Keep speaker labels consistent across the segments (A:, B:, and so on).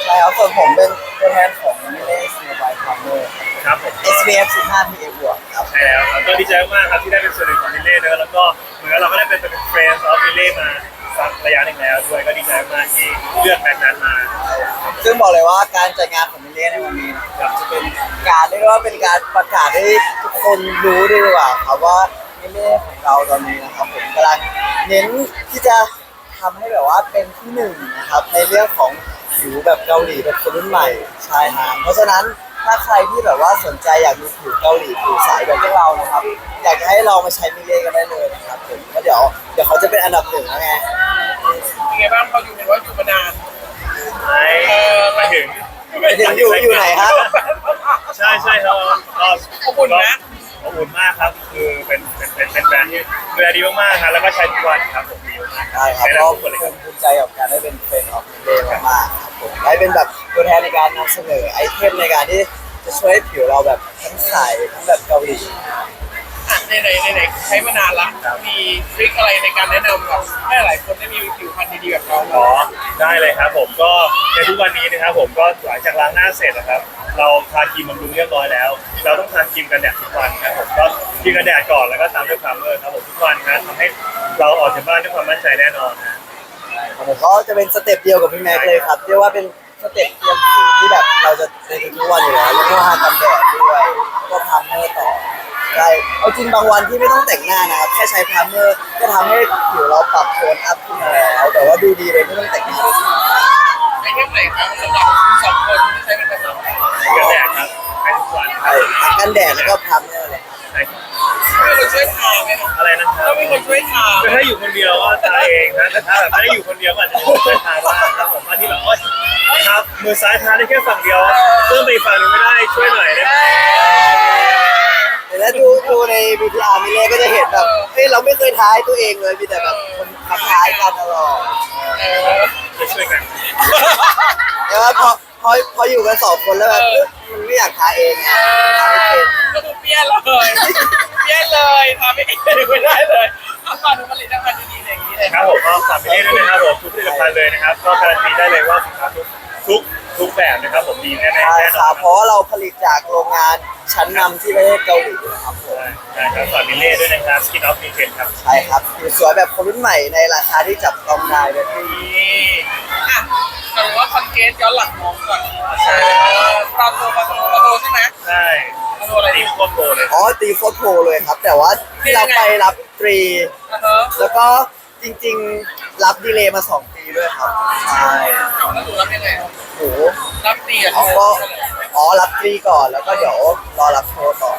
A: ช่ครับส่วนผมเป็นตัวแทนของมิเลสโมบายพาร์ทเนอร์
B: ครับผม
A: SBF 15 PA บวกครับ
B: ใช่แล้วครับก็ดีใจมากครับที่ได้เป็นส่วนหนึ่งของมิเล่เนอะแล้วก็เหมือนเราก็ได้เป็นเฟรนด์ออฟมิเล่มาสักระยะหนึ่งแล้วด้วยก็ดีใจมากที่เลือกแมตช์นั้นมา
A: ซึ่งบอกเลยว่าการจัดงานของมิเลสในวันนี้นะครับจะเป็นการเรียกว่าเป็นการประกาศให้ทุกคนรู้ด้วยดีกว่าครับว่ามิเลสของเราตอนนี้นะครับผมกำลังเน้นที่จะทำให้แบบว่าเป็นที่หนึ่งนะครับในเรื่องของผิวแบบเกาหลีแบบคนรุ่นใหม่ใช่ฮะเพราะฉะนั้นถ้าใครที่แบบว่าสนใจอยากมีผิวเกาหลีผิวใสแบบพวกเรานะครับอยากจะให้ลองมาใช้มิเลสกันได้เลยนะครับผมแล้วเดี๋ยวเขาจะเป็นอันดับหนึ่งแล้วไง
C: เป็นไงบ้างพออยู่เห็นว่าอยู่มานาน
B: ไปถึง
A: อยู่ไหนครับ
B: ใช่ครับก็
C: อบอุ่นนะ
B: อบอุ่นมากครับคือเป็นแบรนด์ที่ดูแลดีมากๆครับแล้วก็ใช้ทุกวันครับผม
A: ใช่ครับก็ภูมิใจกับการได้เป็นเฟรนด์ออฟมิเลสมากๆครับผมได้เป็นแบบตัวแทนในการนำเสนอไอเทมในการที่จะช่วยให้ผิวเราแบบทั้งใสทั้งแบบเกาหลี
C: ในใช้มานานละมีทริคอะไรในการแนะนำกับให้หลายคนได้มีผิวพรรณดีๆแบบเรา
B: อ๋อได้เลยครับผมก็ในทุกวันนี้นะครับผมก็หลังจากล้างหน้าเสร็จนะครับเราทาครีมบำรุงเรียบร้อยแล้วเราต้องทาครีมกันแดดทุกวันครับผมก็ครีมกันแดดก่อนแล้วก็ตามด้วยพรามเมอร์ครับผมทุกวันนะทำให้เราออกจากบ้านด้วยความมั่นใจแน่นอนนะ
A: ผมก็จะเป็นสเต็ปเดียวกับพี่แม็กเลยครับเรียกว่าเป็นสเต็ปเตรียมผิวที่แบบเราจะในทุกวันอยู่แล้วแล้วก็ทากันแดดด้วยก็พรามเมอร์ต่อใช่เอาจริงบางวันที่ไม่ต้องแต่งหน้านะครับแค่ใช้พรามเมอร์ก็ทำให้ผิวเราปรับโทนอัพขึ้นมาแล้วแต่ว่าดูดีเลยไม่ต้องแต่งหน้าเลย
C: ไอเทมไหนครับสำหรับคุณสองคนที่ใช้เป็นประจำ
B: กันแดดครับใช้ทุกวัน
A: ใช่กันแดดแล้วก็พรามเมอร์เลย
C: มีคนช่วยทาไหมครับ
B: อะไรนะครับ
C: ต้องมีคนช่วยทา
B: ถ้าอยู่คนเดียวก็ทาเองนะแต่ถ้าแบบไม่ได้อยู่คนเดียวก็อาจจะมีคนช่วยทาบ้างครับผมที่แบบครับมือซ้ายทาได้แค่ฝั่งเดียวเพิ่มไปอีกฝั่งหนึ่งไม่ได้ช่วยหน่อยได้ไหม
A: แต่ถ้าดูใน VTR มิเล่ก็จะเห็นแบบเฮ้ยเราไม่เคยท้ายตัวเองเลยมีแต่แบบคนขับท้ายกันตลอด
B: จะช่วยกัน
A: แต่ว่าพออยู่กันสองคนแล้วแบบมันไม่อยากท้ายเองไงท้ายไม่เป็น
C: ก็ดูเปี้ยนเลยทำไม่ได้เลยเอาก่อนดูผลิตภัณฑ์ดีๆอย่างนี้เลย
B: ครับผมก็ฝากไปด้วยนะครับผมทุกผลิตภัณฑ์เลยนะครับก็การันตีได้เลยว่าสินค้าทุกแบบนะครับผมดีแน่ๆ
A: ใช่ครับเพราะว่าเราผลิตจากโรงงานชั้นนำที่ประเทศเกาหลีนะครับผม
B: ใช่ครับฝากมิเล่ด้วยนะครับ Skin of Nutrition ครับ
A: ใช่ครับผิวสวยแบบคนรุ่นใหม่ในราคาที่จับต้องได้เลย
C: อ่ะแต่ว่าคอนเทนต์ย้อนหลังมองก่อน
B: ใช่
C: ปลาโตใช่ไหม
B: ใช่
C: ปลาโตอะไร
B: ตีโคตรโตเลย
A: อ๋อตีโคตรโตเลยครับแต่ว่าที่เราไปรับตรีแล้วก็จริงๆรับดีเลย์มา2 ปีด้วยครับใช่
C: แล้วหนูรับยังไง
A: โอ้
C: รับตีอ่ะ
A: รับตรีก่อนแล้วก็เดี๋ยวรอรับโทรต่อ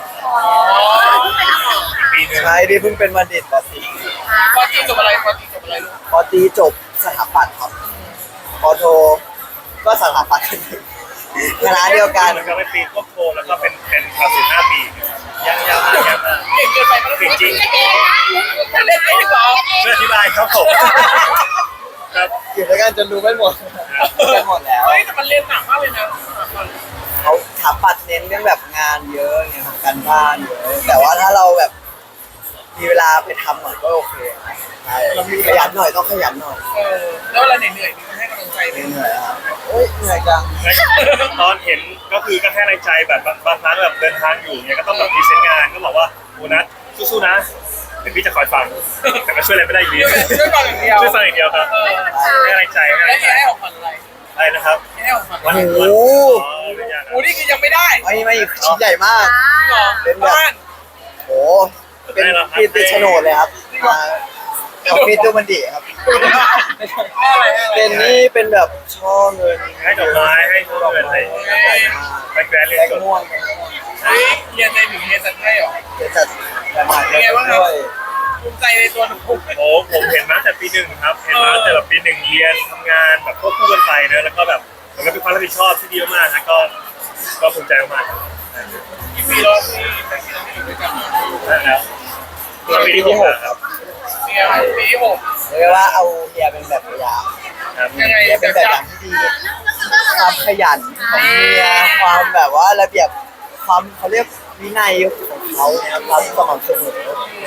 A: ใช่ดิเพิ่งเป็นบัณฑิตป.ตรี
C: ป.ตรีจบอะไรลูก
A: ป.ตรีจบสถาปัตย์ครับป.โทก็สถาปัตย์คณะเดียวกัน
B: มันก็เป็นปีควบโทแล้วก็เป็นภาษี5 ปียังมาก
C: เก่งเกินไปมัน
B: จริง
C: เล่นไม่หรอ
B: ช่วยอธิบายครับผมครับ
A: อยู่ด้วยกันจนดูไม่หมดแล้ว
C: เฮ้ยแต่มันเล่นหนักมากเลยนะ
A: เขาถามปัดเน้นเรื่องแบบงานเยอะไงของการบ้านเยอะแต่ว่าถ้าเราแบบมีเวลาไปทำหน่อยก็โอเคใช่ขยันหน่อยต้องขยันหน่อย
C: แล้วเวลาเหนื่อยมีคนให้กำลังใจไหม
A: เหนื่อยครับโอ๊ยเหนื่อยจัง
B: ตอนเห็นก็คือก็ให้แรงใจแบบบางครั้งแบบเดินทางอยู่เนี่ยก็ต้องแบบพรีเซนต์งานก็บอกว่าโอ้นัทสู้ๆนะเดี๋ยวพี่จะคอยฟังแต่ก็ช่วยอะไรไม่ได้อยู่ดี
C: ช่วยฟังอย่างเดียว
B: ครับให้แรงใจ
C: ให้ของขวัญอะไร
B: นะครับ
C: ให้ของขวัญ
A: โอ้โ
C: หนี่คือยังไม่ได้
A: ไม่ชิ้นใหญ่มากเป็นแบบโอ้เป็นปีติโฉนดเลยครับมาเอาปีตัวมันดีครับเป็นนี่เป็นแบบช่อเงิน
B: ให้ดอกไม้ให้ช่อเงินอะไรไปแกรนด์เรียนจบ
C: เรียนในถึงเรียนจัดให้หรอ
A: เรียนจัดประมาณนี้
C: ด้วยภูมิใจในตัวหนู
B: โอ้ผมเห็นมาแต่ปี 1ครับเห็นมาแต่แบบปี 1เรียนทำงานแบบควบคู่กันไปเนอะแล้วก็แบบมันก็เป็นความรับผิดชอบที่ดีมากนะก็ภูมิใจมาก
C: กี่ปีแล้วที่แต่งงานอยู่ด้วยกัน
B: แล้ว
A: ปีที่6ครับ
C: ปีที่6
A: เรียกว่าเอาเฮียเป็นแบบอย่าง
C: ยังไง
A: เป็นแบบอย่างที่ดีความขยันของเฮียความแบบว่าระเบียบความเขาเรียกวินัยของเขาเนี่ยความสม่ำเสมอ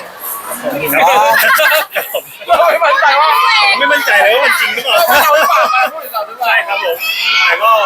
C: ไม่มั่นใจว่า
B: ไม่มั่นใจเลยว่ามันจริงหรือเปล่า
C: เราหรือเปล่าพูดถึงเราหรือเปล่า
B: ใช่ครับผมแต่ก็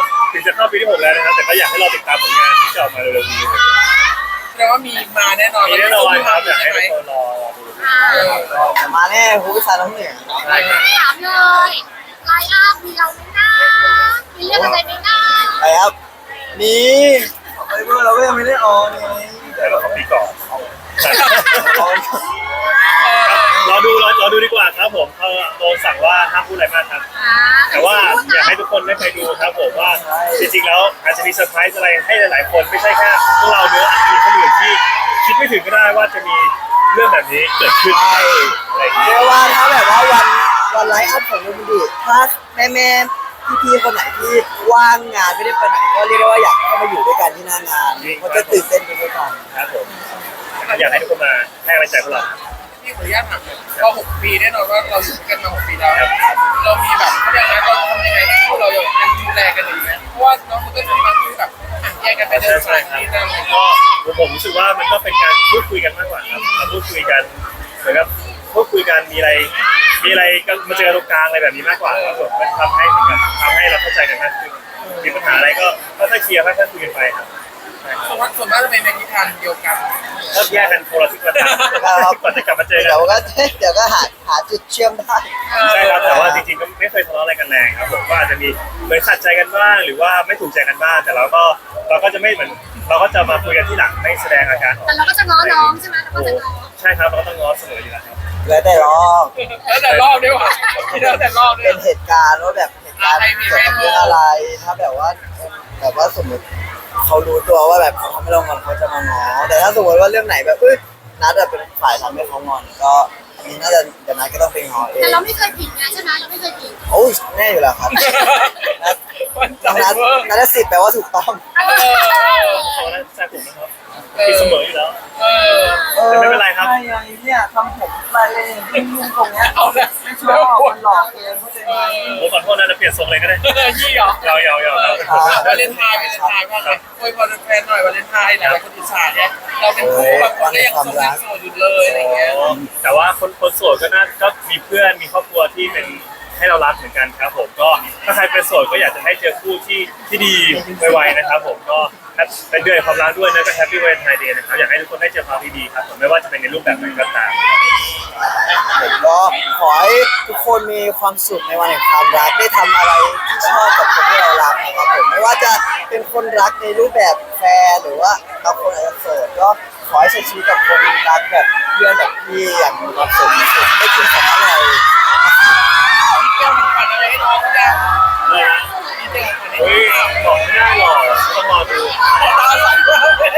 B: จะเข้าปีที่6แล้วนะครับแต่ก็อยากให้เราติดตามผลงานที่จะออกมาเร็วๆนี้
C: แสดงว่ามีมาแน่นอน
B: มีแน่นอนครับอยาก
C: ใช่
B: ให้
C: ไหม
B: ทุกคนรอดู
A: ก็มาแน่ฮูพิซซ่าน้ำเหนือ
C: ใช่ครับ
D: ถามเลยไลน์อัพมีเราไหมนะมีเรื่องอะไรไหมนะ
A: ไปครับนี่ไปเมื่อเราก็ยังไม่ได้ออนไง
B: แต่เราของปีก่อน
A: ออน
B: รอดูดีกว่าครับผมเขาโดนสั่งว่าห้ามพูดอะไรมากครับ แต่ว่าอยากให้ทุกคนได้ไปดูครับผมว่าจริงๆแล้วอาจจะมีเซอร์ไพรส์อะไรให้หลายๆคนไม่ใช่แค่พวกเราเนื้อะอาจจะมีคนอื่นที่คิดไม่ถึงก็ได้ว่าจะมีเรื่องแบบนี้เกิดขึ้นอะไรอย่างเงี้
A: เรี
B: ย
A: ยกว่าถ้าแบบว่าวันไลฟ์อัพของลูมิดิถ้าแม่พี่ๆคนไหนที่ว่างงานไม่ได้ไปไหนก็เรียกได้ว่าอยากเข้ามาอยู่ด้วยกันที่หน้างานเพราะจะตื่นเต้นไปด้วยกัน
B: ครับผมอยากให้ทุกคนมาให้กำลังใจพวกเรา
C: พี่ขออนุญาตถามหน่อยก็6 ปีแน่นอนว่าเราอยู่ด้วยกันมา6 ปีแล้วเรามีแบบเขาเรียกนะเราทำยังไงให้พวกเรายังดูแลกันอยู่ไหมเพราะว่าน้องมันก็จะมีบางทีแบบแยกกันไปเดินสายที่นั่น
B: ก็ผมรู้สึกว่ามันก็เป็นการพูดคุยกันมากกว่าครับเราพูดคุยกันเหมือนกับพูดคุยกันมีอะไรก็มาเจอตรงกลางอะไรแบบนี้มากกว่าครับผมมันทำให้เหมือนกันทำให้เราเข้าใจกันมากขึ้นมีปัญหาอะไรก็ค่อยๆเคลียร์ค่อยๆคุยกันไปครับ
C: ส่วนมากจะเป็นในทิศทางเดียวกัน
B: ก็แยกกันคนละทิศคนละทางก่อนจะกลับมาเจอกัน
A: เดี๋ยวก็หาจุดเชื่อมได้
B: ใช่ครับแต่ว่าจริงๆก็ไม่เคยทะเลาะอะไรกันแรงครับผมก็อาจจะมีเหมือนขัดใจกันบ้างหรือว่าไม่ถูกใจกันบ้างแต่เราก็จะไม่เหมือนเราก็จะมาคุยกันที่หลังไม่แสดงอาการออก
D: แต่เราก็จะง้อน้องใช่ไหมเราก็จะง้อ
B: ใช่ครับเราก็ต้องง้อเสมออยู่แล้วครับ
A: แล้วแต่รอบ
C: แล้วแต่รอบด้วยว่ะแล้วแต่รอบด้ว
A: เป็
C: ย
A: นเหตุการณ์ว่าแบบเหตุการณ์เกิดเรื่องอะไร ถ้าแบบว่าสมมติเขารู้ตัวว่าแบบเขาทำให้เรางอนเขาจะมาง้อแต่ถ้าสมมติว่าเรื่องไหนแบบนัดเป็นฝ่ายทำให้เขางอนก็อันนี้น่าจะเดี๋ยวนัดก็ต้องไปง้อเอง
D: แต่เราไม่เคยผิดไงใช่ไหมเราไม่เคยผิด
A: โอ้ยแน่อยู่แล้วครับนัด
C: มันใจ
A: ต้องนัด
C: เวอร์
A: นัดสิทธิ์แปลว่าถูกต้อง
B: เขาได้แซ่บผมนะครับที่เสมออยู่แล้ว
C: เออ
B: แต่ไม่เป็นไรครับ
A: ใช่ไงเนี่ยทำผมไปเลยยุ่งตรงเนี้ย
C: เอาละ
A: ไม่ชอบมันหลอกเองเข้าใจไหม
B: ผมขอโทษนะจะเปลี่ยนทรงเลยก็ได้
C: ยี่หรอ
B: ยาวๆ
C: วาเลนไทน์ว่าไงโอ้ยพอแฟนหน่อยวาเลนไทน์หลายคนอิจฉาเนี่ยเราเป็นคู่แบบคนก็ยังโสดอยู่เลยอะไรเงี้ย
B: แต่ว่าคนโสดก็มีเพื่อนมีครอบครัวที่เป็นให้เรารักเหมือนกันครับผมก็ถ้าใครเป็นโสดก็อยากจะให้เจอคู่ที่ดีไวๆนะครับผมก็เป็นเดือนความรักด้วยนะก็แฮปปี้วาเลนไทน์เดย์นะครับอยากให้ทุกคนได้เจอความดีๆครับผมไม่ว่าจะเป็นในรูปแบบไหนก็ตาม
A: ผมก็ขอให้ทุกคนมีความสุขในวันแห่งความรักได้ทำอะไรที่ชอบกับคนที่เรารักนะครับผมไม่ว่าจะเป็นคนรักในรูปแบบแฟนหรือว่าบางคนอาจจะโสดก็ขอให้ใช้ชีวิตกับคนรักแบบเพื่อนแบบพี่อย่างมีความสุขที่สุดได้กินของอร่อย
C: มีเจ้ามีฝันอะไรให้น้องเขาเนี่ย
B: เลยนะ
C: มีเจ้าฝันอะไร
B: เฮ้ยบอกไม่ได้หรอกต้องรอดู
C: ตาใสมากเลย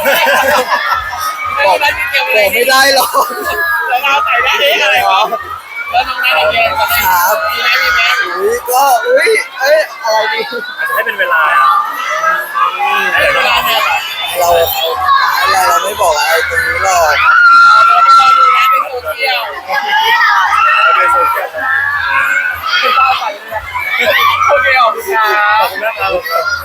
A: บอก
C: ได้เกี่ยว
A: บอกไม่ได้หรอก
C: แล้วตาใสได้อะไร
A: ค
C: ค
A: รั
C: รับบ แล้วน้องนัทเรียนมาได้มีไหม
A: อะไรดี
B: อาจจะให้เป็นเวลาอะ
C: ให้เวลาเนี่ย
A: เราไม่บอกอะไรตรงนี้หรอก
C: เราต้องรอดูนะในโซเชียล
B: เราเป็นโซเชียลครับ
C: ตาใสเลยโอเคขอบคุณครั
B: ขอบบ คุณมากครับ